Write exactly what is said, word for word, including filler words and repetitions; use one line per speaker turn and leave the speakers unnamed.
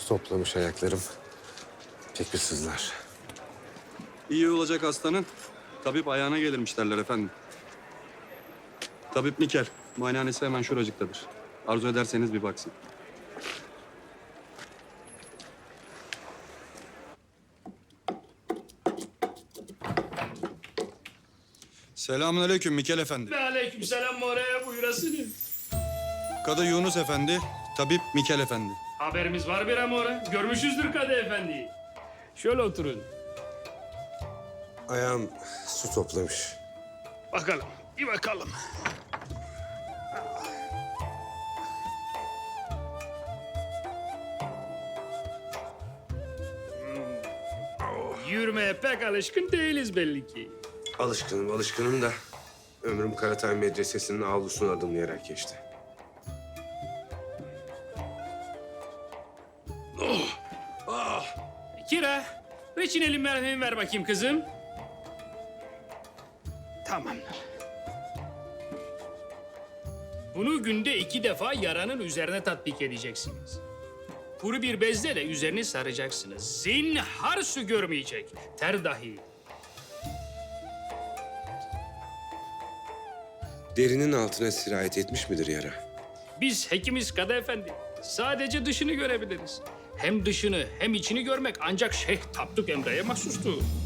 Su toplamış ayaklarım. Pek bir sızlar.
İyi olacak hastanın. Tabip ayağına gelirmiş derler efendim. Tabip Mikel. Muayenehanesi hemen şuracıktadır. Arzu ederseniz bir baksın. Selamünaleyküm Mikel Efendi.
Ve aleykümselam oraya buyurasını.
Kadı Yunus Efendi, Tabip Mikel Efendi.
Haberimiz var bir amore. Görmüşüzdür Kadı Efendi'yi. Şöyle oturun.
Ayağım su toplamış.
Bakalım, bir bakalım. Hmm. Yürümeye pek alışkın değiliz belli ki.
Alışkınım, alışkınım da ömrüm Karatay Medresesi'nin avlusunu adımlayarak geçti.
Kira, reçineli merhemi ver bakayım kızım. Tamamdır. Bunu günde iki defa yaranın üzerine tatbik edeceksiniz. Kuru bir bezle de üzerini saracaksınız. Zinhar su görmeyecek. Ter dahi.
Derinin altına sirayet etmiş midir yara?
Biz hekimiz Kadı Efendi. Sadece dışını görebiliriz. Hem dışını hem içini görmek ancak Şeyh Tapduk Emre'ye mahsustur.